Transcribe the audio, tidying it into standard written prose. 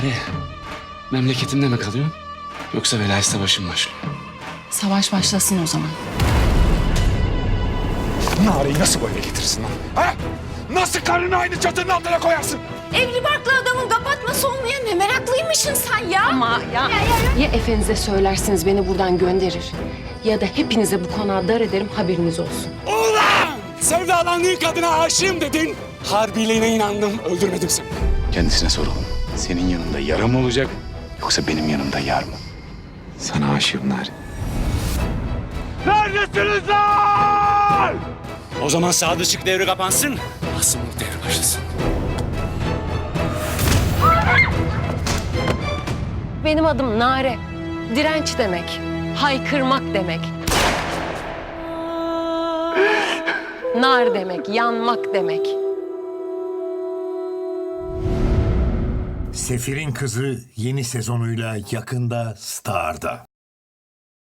Nare, memleketimde mi kalıyorsun? Yoksa velayet savaşın başlıyor? Savaş başlasın o zaman. Nare'yi nasıl böyle getirirsin lan? Ha? Nasıl karını aynı çatının altına koyarsın? Evli barklı adamın kapatması olmaya ne meraklıymışsın sen ya. Ama ya efenize söylersiniz beni buradan gönderir ya da hepinize bu konağı dar ederim, haberiniz olsun. Ulan! Sevdalandığın kadına aşığım dedin. Harbiliğine inandım, öldürmedim seni. Kendisine soralım. Senin yanında yara mı olacak yoksa benim yanımda yar mı? Sana aşığım Nare. Neredesiniz lan? O zaman Sadıçık devri kapansın, Asımlık devri başlasın. Benim adım Nare. Direnç demek, haykırmak demek. Nar demek, yanmak demek. Sefir'in Kızı yeni sezonuyla yakında Star'da.